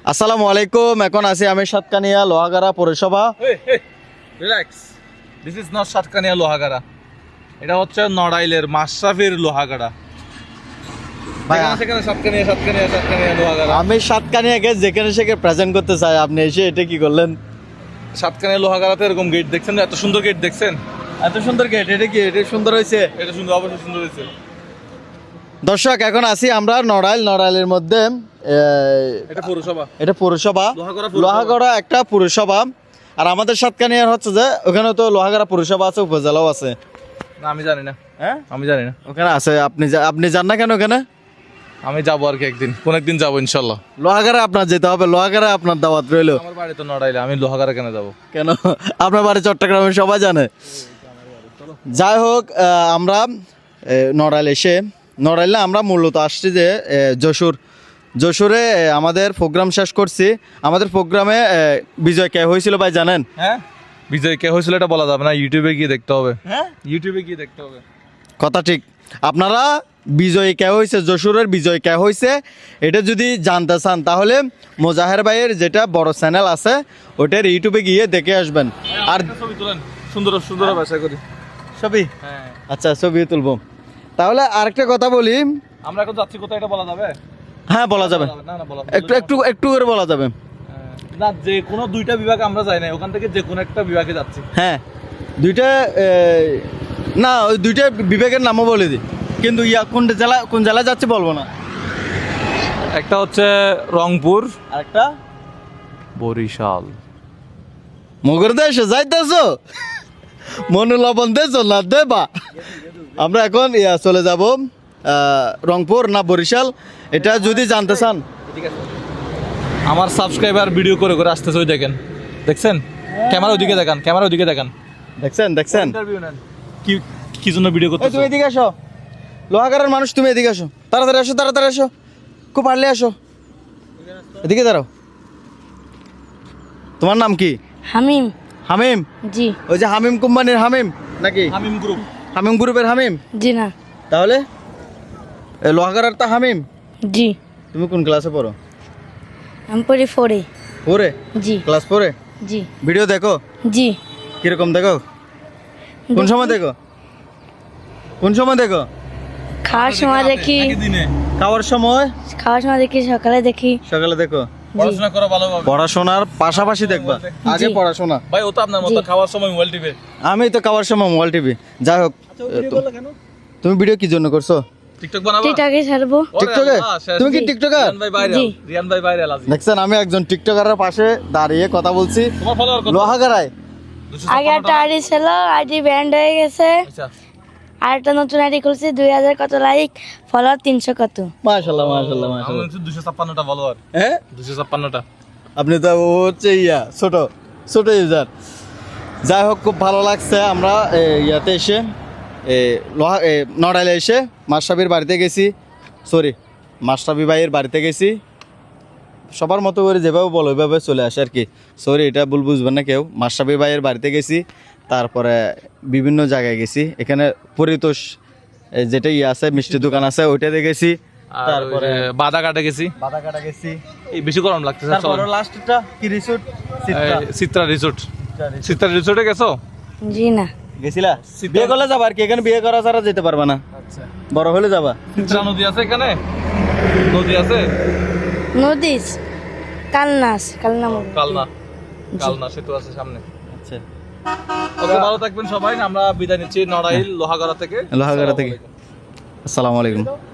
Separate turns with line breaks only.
আসসালামু আলাইকুম। এখন আছি আমি সাতকানিয়া লোহাগাড়া পৌরসভা।
Relax, this is not Satkania Lohagara, এটা হচ্ছে নড়াইলের মাশরাফির লোহাগাড়া। সেখানে সাতকানিয়া সাতকানিয়া সাতকানিয়া লোহাগাড়া।
আমি সাতকানিয়াকে যেখানে সেখানে প্রেজেন্ট করতে চাই, আপনি এসে এটা কি করলেন?
সাতকানিয়া লোহাগাড়াতে এরকম গেট দেখছেন, এত সুন্দর গেট দেখছেন?
এত সুন্দর গেট, এটা কি এটা সুন্দর হয়েছে?
এটা সুন্দর, অবশ্যই সুন্দর হয়েছে।
দর্শক, এখন আছি আমরা নড়াইলের মধ্যে।
এটা পৌরসভা,
এটা পৌরসভা, লোহাগড়া একটা পৌরসভা। আর আমাদের সাতকানিয়ার হচ্ছে যে ওখানে তো লোহাগড়া পৌরসভা আছে, উপজেলাও আছে।
না আমি জানি না,
হ্যাঁ
আমি জানি না।
ওখানে আছে, আপনি যান না কেন ওখানে?
আমি যাবো আর কি, কোন একদিন যাবো ইনশাল্লাহ।
লোহাগড়া আপনার যেতে হবে, লোহাগড়া আপনার দাওয়াত রইলো।
আমার বাড়ি তো নড়াইলে, আমি লোহাগাড়া কেন যাবো?
কেন? আপনার বাড়ি চট্টগ্রামে, সবাই জানে। যাই হোক, আমরা নড়াইলে আমরা মূলত আসছি যে যশোরে আমাদের প্রোগ্রাম শেষ করছি। আমাদের প্রোগ্রামে বিজয় কে হয়েছিল ভাই জানেন?
হ্যাঁ, বিজয় কে হয়েছিল এটা বলা যাবে না, ইউটিউবে গিয়ে দেখতে হবে। হ্যাঁ, ইউটিউবে গিয়ে দেখতে হবে।
কথা ঠিক। আপনারা বিজয় কে হয়েছে, যশোরের বিজয় কে হয়েছে, এটা যদি জানতে চান তাহলে মোজাহের ভাইয়ের যেটা বড় চ্যানেল আছে ওটার ইউটিউবে গিয়ে দেখে আসবেন। আর
ছবি তুলেন, সুন্দর সুন্দর ভাষা করি
ছবি।
হ্যাঁ
আচ্ছা, ছবি তুলবো। তাহলে আরেকটা কথা বলি,
আমরা এখন যাচ্ছি কোথায় এটা বলা যাবে?
হ্যাঁ বলা যাবে,
না না বলা
একটু করে বলা যাবে।
না, যে কোনো দুইটা বিভাগে আমরা যাই না, ওখান থেকে যে কোনো একটা বিভাগে যাচ্ছি।
হ্যাঁ, দুইটা না, ওই দুইটা বিভাগের নামও বলে দিই, কিন্তু কোন জেলায় যাচ্ছে বলবো না।
একটা হচ্ছে রংপুর,
আরেকটা
বরিশাল।
মগর দেশে যাইতেছো, মনোলবণ দেশ না দেবা। আমরা এখন চলে যাব রংপুর না বরিশাল, এটা যদি জানতে চান।
আমার সাবস্ক্রাইবার ভিডিও করে করে আসতেছে, ওই দেখছেন? ক্যামেরা ওইদিকে দেখান, ক্যামেরা ওইদিকে দেখান।
দেখছেন
ইন্টারভিউ নেন। কি জন্য ভিডিও করতে?
তুমি এদিকে আসো, লোহাগাড়ার মানুষ, তুমি এদিকে আসো, তাড়াতাড়ি আসো, খুব পারলে আসো, এদিকে দাঁড়াও। তোমার নাম কি?
হামিম।
হামিম?
জি।
ওই যে হামিম কোম্পানির হামিম নাকি? হামিম গ্রুপের হামিম?
জি না।
তাহলে লোহাগাড়ার তা হামিম?
জি।
তুমি কোন ক্লাসে পড়ো?
আমি পড়ি 4-এ।
4-এ?
জি।
ক্লাস 4-এ?
জি।
ভিডিও দেখো?
জি।
কিরকম দেখো? কোন সময় দেখো?
খাওয়ার সময় দেখি।
খাওয়ার সময়
দেখি, সকালে দেখি।
সকালে দেখো?
পড়াশোনা করো ভালোভাবে।
পড়াশোনার পাশাপাশি দেখবা? আগে পড়াশোনা।
ভাই ও তো আপনার মতো খাওয়ার সময় মোবাইল টিপে।
আমি তো খাওয়ার সময় মোবাইল টিভি। যাই হোক, তুমি ভিডিও কি জন্য করছো?
টিকটক বানাবো?
টিকটকে ছাড়বো।
টিকটকে? তুমি কি টিকটকার?
রিয়ান ভাই ভাইরাল আছে।
দেখছেন, আমি একজন টিকটকারের পাশে দাঁড়িয়ে কথা বলছি।
তোমার ফলোয়ার কত?
লোহাগাড়ায়
আগে একটা আইডি ছিল, আইডি ব্যান্ড হয়ে গেছে।
আচ্ছা,
আর একটা নতুন আইডি খুলছি, 2000 কত লাইক, ফলোয়ার 300 কত।
মাশাআল্লাহ।
আমার 256টা ফলোয়ার।
হ্যাঁ,
256টা।
আপনি তো হচ্ছে ছোট ইউজার। যাই হোক, খুব ভালো লাগছে। আমরা ইয়াতে এসে নড়াইলে এসে মাশরাফির বাড়িতে গেছি, মাশরাফি ভাইয়ের বাড়িতে গেছি। সবার মতো করে যেভাবে বলো ওইভাবে চলে আসে আর কি। এটা ভুল বুঝবেন না কেউ। মাশরাফি ভাইয়ের বাড়িতে গেছি, তারপরে বিভিন্ন জায়গায় গেছি। এখানে পরিতোষ যেটা আছে, মিষ্টি দোকান আছে, ওইটাতে গেছি। তারপরে
বাদাঘাটে গেছি।
এই
বেশি গরম লাগতেছে।
তারপরে লাস্টটা কি রিসোর্ট?
চিত্রা রিসোর্টে গেছো?
জি না।
গেছিলা? বিয়ে করলে যাবা আর কি, এখানে বিয়ে করা ছাড়া যেতে পারবা না।
আচ্ছা,
বড় হলে যাবা।
চিত্রা নদী আছে এখানে? নদী আছে?
নদীস
কালনা সেতু আছে সামনে।
আচ্ছা,
ওকে, ভালো থাকবেন সবাই। আমরা বিদায় নিচ্ছি নড়াইল লোহাগাড়া থেকে।
আসসালামু আলাইকুম।